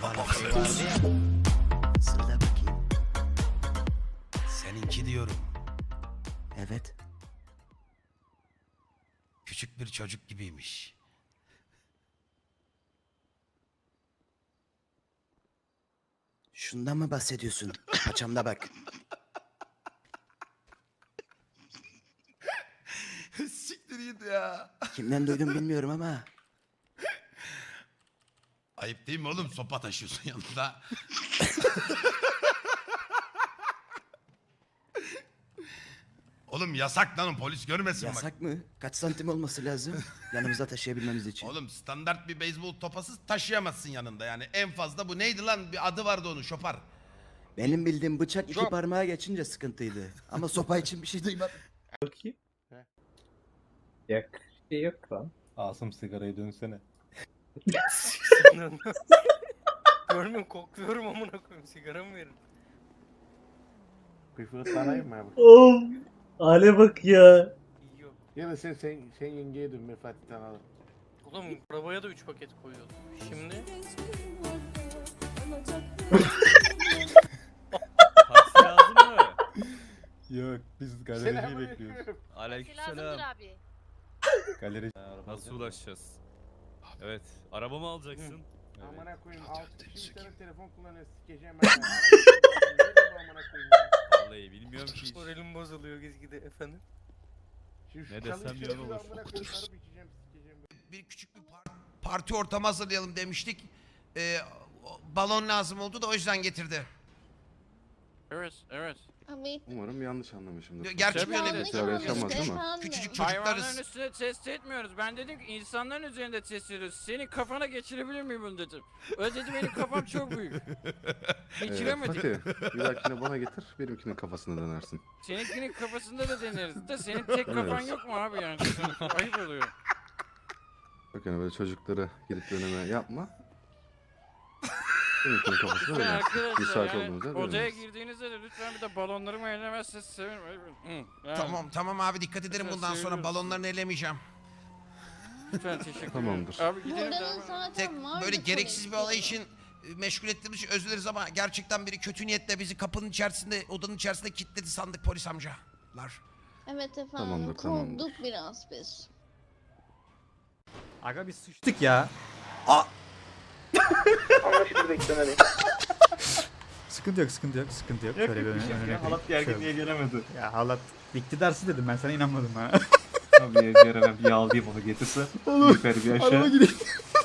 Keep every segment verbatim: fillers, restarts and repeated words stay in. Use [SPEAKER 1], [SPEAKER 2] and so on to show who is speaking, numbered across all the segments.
[SPEAKER 1] bana şey vardı ya.
[SPEAKER 2] Söyle bakayım.
[SPEAKER 1] Seninki diyorum.
[SPEAKER 2] Evet.
[SPEAKER 1] Küçük bir çocuk gibiymiş.
[SPEAKER 2] Şundan mı bahsediyorsun? Paçamda bak.
[SPEAKER 1] Siktir git ya.
[SPEAKER 2] Kimden duydum bilmiyorum ama.
[SPEAKER 1] Ayıp değil mi oğlum? Sopa taşıyorsun yanında. Oğlum yasak lan, polis görmesin bak.
[SPEAKER 2] Yasak mı? Kaç santim olması lazım? Yanımızda taşıyabilmemiz için.
[SPEAKER 1] Oğlum standart bir beyzbol topası taşıyamazsın yanında yani. En fazla bu neydi lan? Bir adı vardı onun, şopar.
[SPEAKER 2] Benim bildiğim bıçak iki parmağa geçince sıkıntıydı. Ama sopa için bir şey duymadım.
[SPEAKER 3] Bakayım. Yak. Şey yok lan. Asım sigarayı dönsene.
[SPEAKER 4] Görmüyorum, kokluyorum amına koyayım, sigara mı verin?
[SPEAKER 3] Bir fırtlanayım mı abi?
[SPEAKER 5] Oğlum. Hale bak ya.
[SPEAKER 4] Yok.
[SPEAKER 3] Ya da sen, sen, sen yengeye dön, ben Fatih'ten alırım.
[SPEAKER 4] Oğlum arabaya da üç paket koyuyordum. Şimdi
[SPEAKER 6] Taksi lazım mı?
[SPEAKER 3] Yok, biz galerici bekliyoruz.
[SPEAKER 6] Aleykümselam.
[SPEAKER 7] abi.
[SPEAKER 3] Galeri.
[SPEAKER 6] Nasıl ulaşacağız? Evet, araba mı alacaksın? Evet.
[SPEAKER 3] Amına koyayım, altı kişi bir tane telefon kullanıyor, sikeceğim ben. ya. Nerede bu amına koyayım ya?
[SPEAKER 6] Vallahi bilmiyorum ki hiç.
[SPEAKER 4] moralim bozuluyor gizgide efendim.
[SPEAKER 3] Şimdi şu
[SPEAKER 6] Ne
[SPEAKER 3] çalı
[SPEAKER 6] desem
[SPEAKER 3] içeri
[SPEAKER 6] yalan
[SPEAKER 3] bir
[SPEAKER 6] olur.
[SPEAKER 3] amına koyayım, sarıp içeceğim, sikeceğim ben.
[SPEAKER 1] Bir küçük bir par- parti ortamı hazırlayalım demiştik. Ee, o- balon lazım oldu da o yüzden getirdi.
[SPEAKER 6] Evet, evet.
[SPEAKER 7] Abi.
[SPEAKER 8] Umarım yanlış anlamışımdır.
[SPEAKER 1] Gerçi
[SPEAKER 6] Tabii
[SPEAKER 1] böyle
[SPEAKER 6] yanlış
[SPEAKER 8] Tekrar yaşanmaz değil mi?
[SPEAKER 1] küçücük
[SPEAKER 6] Hayvanların
[SPEAKER 1] çocuklarız.
[SPEAKER 6] üstüne test etmiyoruz. Ben dedim ki insanların üzerinde test ediyoruz. Senin kafana geçirebilir miyim bunu dedim. Öyle dedi, benim kafam çok büyük.
[SPEAKER 8] Ee,
[SPEAKER 6] Geçiremedim.
[SPEAKER 8] Fatih, bir dahakine bana getir, benimkinin kafasına dönersin.
[SPEAKER 6] Seninkinin kafasında da deneriz de senin tek kafan
[SPEAKER 8] Evet.
[SPEAKER 6] yok mu abi yani? Ayıp oluyor.
[SPEAKER 8] Bak yani böyle çocukları gidip döneme yapma. Benimkinin kafasına
[SPEAKER 6] Lütfen
[SPEAKER 8] dönersin.
[SPEAKER 6] arkadaşlar
[SPEAKER 8] Müsait
[SPEAKER 6] yani
[SPEAKER 8] olduğunuzda
[SPEAKER 6] odaya
[SPEAKER 8] döneriz.
[SPEAKER 6] girdiğinizde de lütfen bir de balonlarımı ellemezseniz sevinirim. Hı, yani
[SPEAKER 1] Tamam tamam abi, dikkat ederim
[SPEAKER 6] Lütfen
[SPEAKER 1] bundan sonra,
[SPEAKER 6] seviyoruz.
[SPEAKER 1] balonlarını elemeyeceğim.
[SPEAKER 6] Lütfen teşekkür ederim.
[SPEAKER 8] Tamamdır.
[SPEAKER 6] Abi gidelim
[SPEAKER 7] Buranın
[SPEAKER 6] devam edelim.
[SPEAKER 7] zaten
[SPEAKER 1] Tek
[SPEAKER 7] var
[SPEAKER 1] böyle
[SPEAKER 7] bir
[SPEAKER 1] gereksiz bir
[SPEAKER 7] polis.
[SPEAKER 1] olay için e, meşgul ettiğimiz için özür dileriz ama gerçekten biri kötü niyetle bizi kapının içerisinde, odanın içerisinde kilitledi sandık polis amcalar.
[SPEAKER 7] Evet efendim.
[SPEAKER 8] Tamamdır, tamamdır.
[SPEAKER 7] Korktuk biraz biz.
[SPEAKER 5] Aga biz sıçtık ya.
[SPEAKER 4] Anlaşılır beklemeliyim.
[SPEAKER 5] Sıkıntı yok, sıkıntı yok, sıkıntı yok. Şöyle bir önüne önüne
[SPEAKER 3] Halat gerginliğe gelemedi.
[SPEAKER 5] Ya halat iktidarsız dedim, ben sana inanmadım ha.
[SPEAKER 3] Tabii Ejder'e ben bir yağlayayım onu getirse. Yukarı bir
[SPEAKER 5] Araba
[SPEAKER 3] aşağı.
[SPEAKER 5] gidiyor.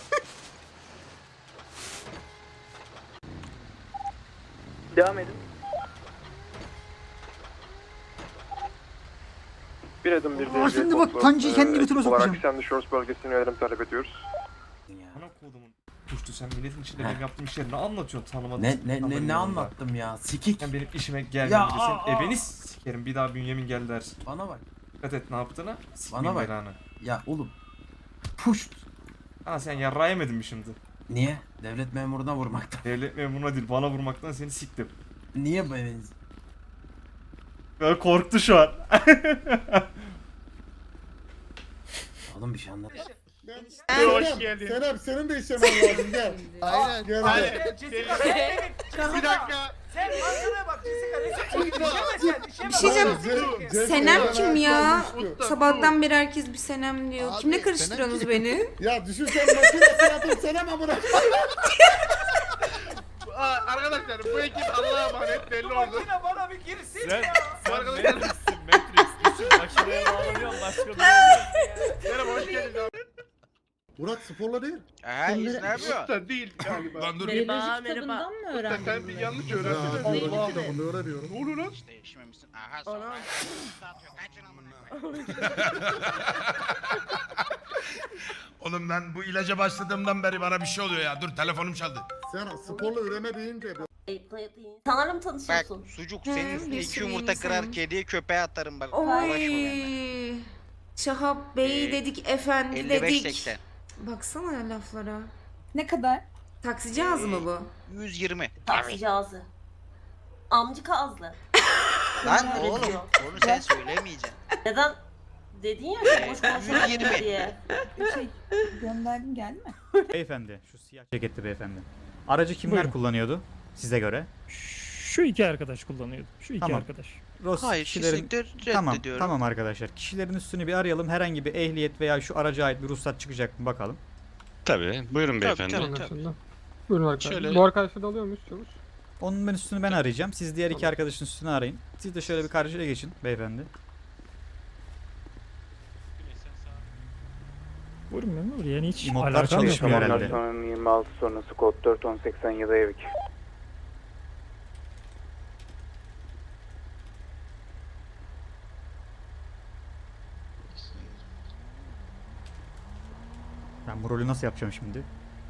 [SPEAKER 4] Devam edin.
[SPEAKER 9] Bir adım bir
[SPEAKER 5] Aa, şimdi bak, kancayı kendi götüme sokacağım.
[SPEAKER 9] Sandy Shores bölgesine yönelim talep ediyoruz.
[SPEAKER 3] Ana kodumun. Puştu, sen milletin içinde benim yaptığım işleri ne anlatıyorsun tanımadın?
[SPEAKER 2] Ne ne ne ne anlattım ya? Sikik.
[SPEAKER 3] Sen benim işime gelmeyince
[SPEAKER 2] Ya,
[SPEAKER 3] sen
[SPEAKER 2] aa,
[SPEAKER 3] ebeni
[SPEAKER 2] aa.
[SPEAKER 3] sikerim, bir daha bünyemin gel dersin.
[SPEAKER 2] Bana bak.
[SPEAKER 3] Dikkat et ne yaptığına.
[SPEAKER 2] Bana
[SPEAKER 3] Sikmeyeyim
[SPEAKER 2] bak.
[SPEAKER 3] belanı.
[SPEAKER 2] Ya oğlum. Puşt.
[SPEAKER 3] Ha sen yarrağı yemedin mi şimdi?
[SPEAKER 2] Niye? Devlet memuruna vurmaktan.
[SPEAKER 3] Devlet memuruna değil, bana vurmaktan seni siktim.
[SPEAKER 2] Niye böyle?
[SPEAKER 3] Ben korktu şu an.
[SPEAKER 2] Oğlum bir şey anlat.
[SPEAKER 3] Hoş geldin.
[SPEAKER 9] Senem senin de işlemen lazım gel.
[SPEAKER 2] Aynen.
[SPEAKER 9] Gel
[SPEAKER 4] Bir dakika.
[SPEAKER 10] Sen manzaraya bak Jessica.
[SPEAKER 11] Bir şey diyeceğim. Senem kim ya? Sabahtan beri herkes bir Senem diyor. Kimle karıştırıyorsunuz beni?
[SPEAKER 9] Ya düşünsen makine sıratın Senem amına.
[SPEAKER 4] Arkadaşlar bu ekip Allah'a emanet belli oldu.
[SPEAKER 10] Makine bana bir girsin
[SPEAKER 6] Sen,
[SPEAKER 10] ya.
[SPEAKER 6] sen Matrix'sin Matrix. Düşün makineye bağlanıyorsun, başka bir şey oluyor.
[SPEAKER 4] Merhaba, hoş geldiniz abi.
[SPEAKER 9] Murat sporla değil.
[SPEAKER 4] Eee ne yapıyor? Usta değil galiba.
[SPEAKER 1] Lan dur.
[SPEAKER 7] Merhaba merhaba.
[SPEAKER 4] Usta sen bir yanlış öğrendin.
[SPEAKER 9] Allah Allah bunu öğreniyorum.
[SPEAKER 4] Ne oluyor lan?
[SPEAKER 10] Değişmemişsin. Aha sonra.
[SPEAKER 1] Oğlum ben bu ilaca başladığımdan beri bana bir şey oluyor ya. Dur, telefonum çaldı.
[SPEAKER 9] Sen sporla üreme deyince
[SPEAKER 7] Sanırım
[SPEAKER 10] Bak
[SPEAKER 7] tanışıyorsun.
[SPEAKER 10] sucuk
[SPEAKER 11] He,
[SPEAKER 10] senin üstüne
[SPEAKER 11] bir
[SPEAKER 10] iki
[SPEAKER 11] sürü
[SPEAKER 10] yumurta kırar,
[SPEAKER 11] insan.
[SPEAKER 10] kediye köpeğe atarım bak. Uğraşma benimle.
[SPEAKER 11] Oy. Şahap Bey
[SPEAKER 10] Ee,
[SPEAKER 11] dedik, efendi
[SPEAKER 10] elli beş
[SPEAKER 11] dedik.
[SPEAKER 10] seksen.
[SPEAKER 11] Baksana ya laflara.
[SPEAKER 7] Ne kadar?
[SPEAKER 11] Taksici ağzı mı bu?
[SPEAKER 10] yüz yirmi.
[SPEAKER 7] Taksici ağzı. Amcık ağızlı.
[SPEAKER 10] Lan
[SPEAKER 7] Öyle
[SPEAKER 10] oğlum
[SPEAKER 7] diyor.
[SPEAKER 10] onu sen söylemeyeceksin.
[SPEAKER 7] Neden? Dedin ya boş
[SPEAKER 10] yüz
[SPEAKER 7] konuşma
[SPEAKER 10] yirmi.
[SPEAKER 7] diye.
[SPEAKER 11] Şey
[SPEAKER 7] Gönderdim geldi mi?
[SPEAKER 5] Beyefendi, şu siyah ceketli beyefendi. Aracı kimler
[SPEAKER 4] Buyurun.
[SPEAKER 5] kullanıyordu size göre?
[SPEAKER 4] Şu iki arkadaş kullanıyordu. Şu iki
[SPEAKER 5] Tamam.
[SPEAKER 4] arkadaş.
[SPEAKER 5] Ross
[SPEAKER 10] Hayır
[SPEAKER 5] kişilerin...
[SPEAKER 10] kesinlikle
[SPEAKER 5] Tamam,
[SPEAKER 10] reddediyorum.
[SPEAKER 5] tamam arkadaşlar. Kişilerin üstünü bir arayalım. Herhangi bir ehliyet veya şu araca ait bir ruhsat çıkacak mı bakalım.
[SPEAKER 12] Tabii. Buyurun beyefendi.
[SPEAKER 10] Tabii, tabii.
[SPEAKER 4] Buyurun
[SPEAKER 12] arkadaşlar. Şöyle-
[SPEAKER 4] Bu arkadaşı da alıyor muyuz çavuş?
[SPEAKER 5] Onun ben üstünü ben arayacağım. Siz diğer iki arkadaşın üstünü arayın. Siz de şöyle bir karşıya geçin beyefendi.
[SPEAKER 4] Buyurun memur yani hiç
[SPEAKER 5] İmotlar
[SPEAKER 4] alakam yok.
[SPEAKER 5] çalışmıyor herhalde.
[SPEAKER 3] yirmi altı sonrası kod dört on seksen yedi Evik.
[SPEAKER 5] Ben bu rolü nasıl yapacağım şimdi?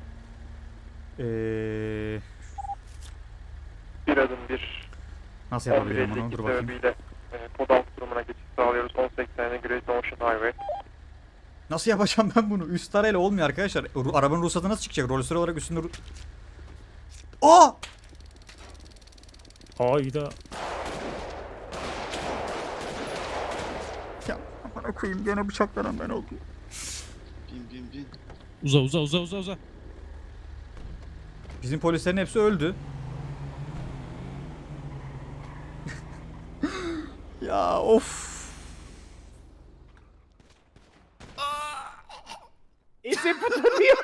[SPEAKER 5] Eee...
[SPEAKER 3] Bir adım bir.
[SPEAKER 5] Nasıl yapabilirim onu? Dur bakayım.
[SPEAKER 3] Kod altı durumuna geçiş sağlıyoruz. on seksen Great Ocean Highway.
[SPEAKER 5] Nasıl yapacağım ben bunu? Üst arayla olmuyor arkadaşlar. Ru- Arabanın ruhsatı nasıl çıkacak? Rolü süre olarak üstünde... ru- Aa!
[SPEAKER 4] Hayda.
[SPEAKER 5] Ya bana koyayım gene bıçaklanan ben oldum.
[SPEAKER 12] Uza uza uza uza uza.
[SPEAKER 5] Bizim polislerin hepsi öldü. Ya of.
[SPEAKER 4] Ese puto diyor.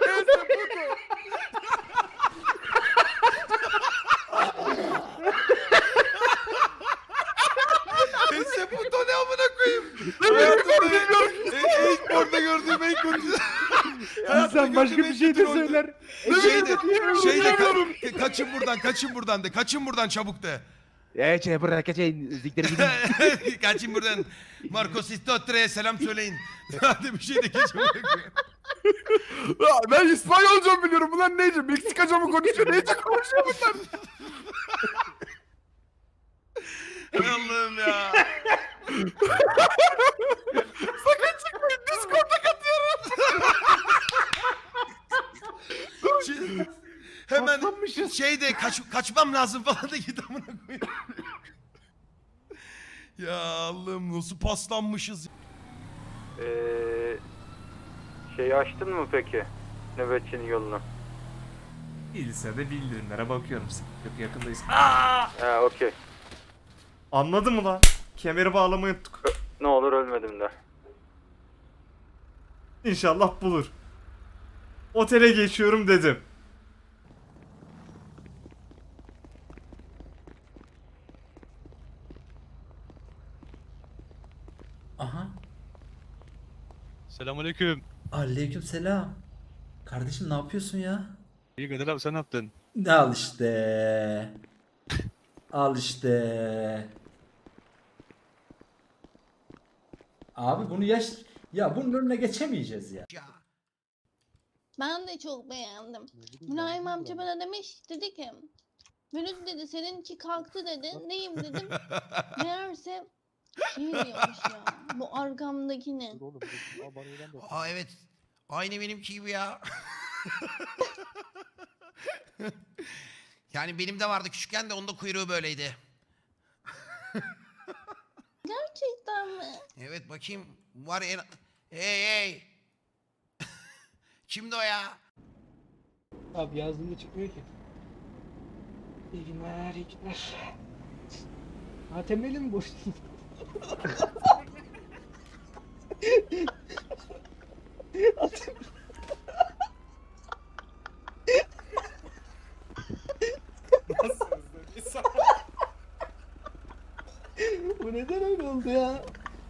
[SPEAKER 1] Neyse bu da ne amına koyayım. Hayatımda en- ilk orada gördüğüm en kötü.
[SPEAKER 4] İnsan başka bir şey de söyler.
[SPEAKER 1] Şey de, şey de ka- kaçın buradan, kaçın buradan de, kaçın buradan çabuk de.
[SPEAKER 3] Eee şey bırak kaçayım. Ziktir gidin.
[SPEAKER 1] Kaçın buradan. Marcos Istotre'ye selam söyleyin. Hadi bir şey de geçin.
[SPEAKER 3] Ben İspanyolca biliyorum. Bunlar neyce? Meksikaca mı konuşuyor? Neyce konuşuyor bunlar?
[SPEAKER 1] Hay Allah'ım ya.
[SPEAKER 3] Sakın çıkmayın. Discord'a katıyorum.
[SPEAKER 1] Şey- hemen şeyde kaç, kaçmam lazım falan da git amına koyayım. Ya Allah'ım nasıl paslanmışız.
[SPEAKER 3] Eee... Şeyi açtın mı peki? Nöbetçinin yolunu.
[SPEAKER 12] Değilse de bildirimlere bakıyorum. Yok yakındayız.
[SPEAKER 3] Ha okey.
[SPEAKER 12] Anladın mı lan? Kemeri bağlamayı unuttuk.
[SPEAKER 3] Ne olur ölmedim de.
[SPEAKER 12] İnşallah bulur. Otele geçiyorum dedim.
[SPEAKER 2] Aha.
[SPEAKER 12] Selamünaleyküm.
[SPEAKER 2] Aleykümselam. Kardeşim ne yapıyorsun ya?
[SPEAKER 12] İyi Kadir abi sen ne yaptın?
[SPEAKER 2] Al işte. Al işte. Abi bunu yaş... Ya bunun önüne geçemeyeceğiz ya.
[SPEAKER 1] Ya.
[SPEAKER 7] Ben de çok beğendim. Mülayim amca bana demiş, dedi ki Mürüz dedi seninki kalktı dedi. Neyim dedim. Meğerse şey diyormuş ya. Bu arkamdaki ne?
[SPEAKER 1] Aa evet. Aynı benimki gibi ya. Yani benim de vardı küçükken de onda kuyruğu böyleydi.
[SPEAKER 7] Gerçekten mi?
[SPEAKER 1] Evet bakayım. Var en... Hey hey. Kimdi o ya?
[SPEAKER 4] Abi yazdığında çıkmıyor ki. İyi günler, iyi günler. A T M'li mi boştun? Bu neden öyle oldu ya?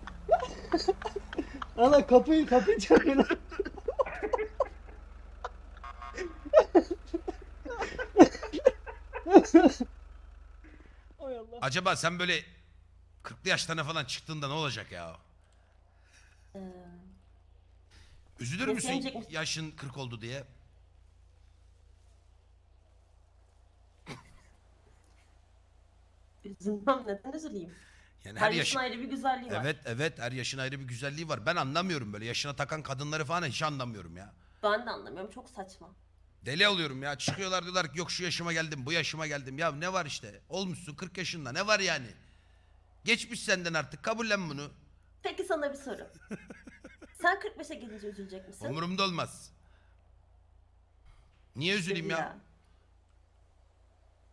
[SPEAKER 4] Allah kapıyı kapıyı çalıyor. Hay Allah.
[SPEAKER 1] Acaba sen böyle kırklı yaşlarına falan çıktığında ne olacak ya? Üzülür müsün
[SPEAKER 7] Beklenecek misin?
[SPEAKER 1] yaşın kırk oldu diye?
[SPEAKER 7] Üzülmem, neden üzüleyim?
[SPEAKER 1] Yani
[SPEAKER 7] Her
[SPEAKER 1] her
[SPEAKER 7] yaşın
[SPEAKER 1] yaş...
[SPEAKER 7] ayrı bir güzelliği var.
[SPEAKER 1] Evet evet her yaşın ayrı bir güzelliği var. Ben anlamıyorum böyle yaşına takan kadınları falan hiç anlamıyorum ya.
[SPEAKER 7] Ben de anlamıyorum, çok saçma.
[SPEAKER 1] Deli oluyorum ya. Çıkıyorlar diyorlar ki yok şu yaşıma geldim, bu yaşıma geldim. Ya ne var işte? Olmuşsun kırk yaşında. Ne var yani? Geçmiş senden artık. Kabullen bunu.
[SPEAKER 7] Peki sana bir soru. Sen kırk beşe gelince üzülecek misin?
[SPEAKER 1] Umurumda olmaz. Niye üzüleyim ya?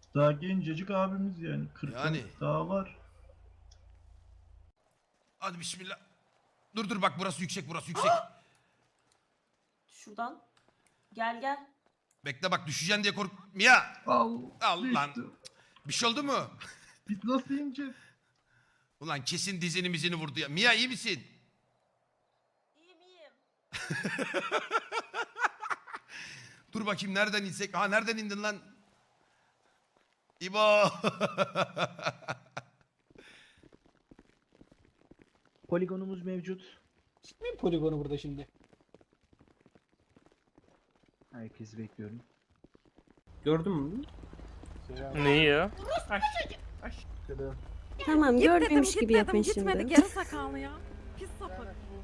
[SPEAKER 9] Daha gencecik abimiz yani. kırk
[SPEAKER 1] Yani.
[SPEAKER 9] daha var.
[SPEAKER 1] Hadi bismillah. Dur dur bak burası yüksek burası yüksek.
[SPEAKER 11] Şuradan. Gel gel.
[SPEAKER 1] Bekle bak düşeceksin diye kork... Mia!
[SPEAKER 9] Al.
[SPEAKER 1] Al lan. Bir şey oldu mu?
[SPEAKER 9] Biz nasıl ineceğiz?
[SPEAKER 1] Ulan kesin dizini mizini vurdu ya. Mia iyi misin?
[SPEAKER 11] İyiyim iyiyim.
[SPEAKER 1] Dur bakayım nereden insek? Ha nereden indin lan? İbo.
[SPEAKER 2] Poligonumuz mevcut.
[SPEAKER 4] Çıkmayayım poligonu burada şimdi.
[SPEAKER 2] Herkesi bekliyorum.
[SPEAKER 3] Gördün mü?
[SPEAKER 12] Neyi ya?
[SPEAKER 11] Tamam gördüğümüş gibi yapın şimdi.
[SPEAKER 7] Geri sakalı ya. Pis sapık.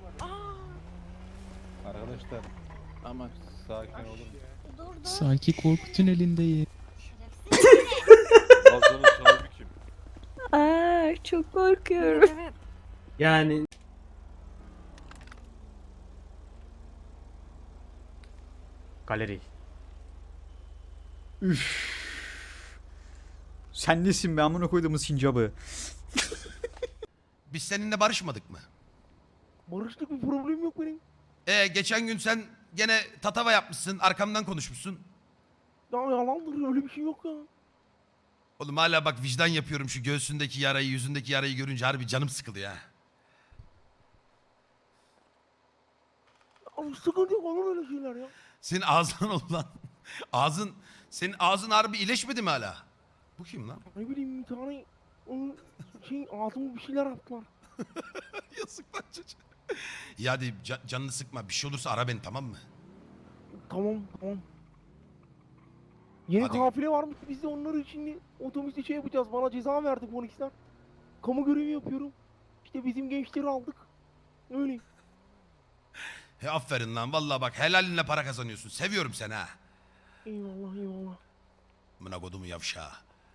[SPEAKER 3] Arkadaşlar. Ama sakin olun.
[SPEAKER 12] Sanki korku tünelindeyim.
[SPEAKER 8] Ağzının sahibi kim?
[SPEAKER 11] Aa, çok korkuyorum.
[SPEAKER 7] Evet.
[SPEAKER 3] Yani
[SPEAKER 5] Galeri. Üf. Sen nesin be amına koyduğumuz sincabı?
[SPEAKER 1] Biz seninle barışmadık mı?
[SPEAKER 9] Barıştık, bir problem yok benim.
[SPEAKER 1] Ee geçen gün sen gene tatava yapmışsın arkamdan konuşmuşsun.
[SPEAKER 9] Ya yalandır, öyle bir şey yok ya.
[SPEAKER 1] Oğlum hala bak vicdan yapıyorum şu göğsündeki yarayı yüzündeki yarayı görünce harbi canım sıkılıyor ha.
[SPEAKER 9] Abi sıkıntı yok, olur öyle şeyler ya.
[SPEAKER 1] Senin ağzın oldu lan. Ağzın, senin ağzın harbi iyileşmedi mi hala? Bu kim lan?
[SPEAKER 9] Ne bileyim, bir tane onun şey ağzıma bir şeyler attılar.
[SPEAKER 1] Yazık lan çocuğa. Ya hadi ca- canını sıkma bir şey olursa ara beni tamam mı?
[SPEAKER 9] Tamam tamam. Yeni
[SPEAKER 1] Hadi.
[SPEAKER 9] kafile varmış, biz de onları şimdi otobüste şey yapacağız. Bana ceza verdi polisler. Kamu görevi yapıyorum. İşte bizim gençleri aldık. Öyle.
[SPEAKER 1] He aferin lan vallahi bak helalinle para kazanıyorsun. Seviyorum seni ha.
[SPEAKER 9] Eyvallah eyvallah.
[SPEAKER 1] Amına kodumu yavşağı.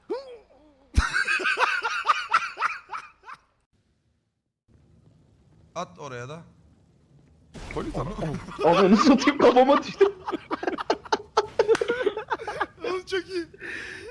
[SPEAKER 1] At oraya da.
[SPEAKER 8] Polis ama.
[SPEAKER 9] Ananı satayım, kafama düştü.
[SPEAKER 1] Oğlum çok iyi.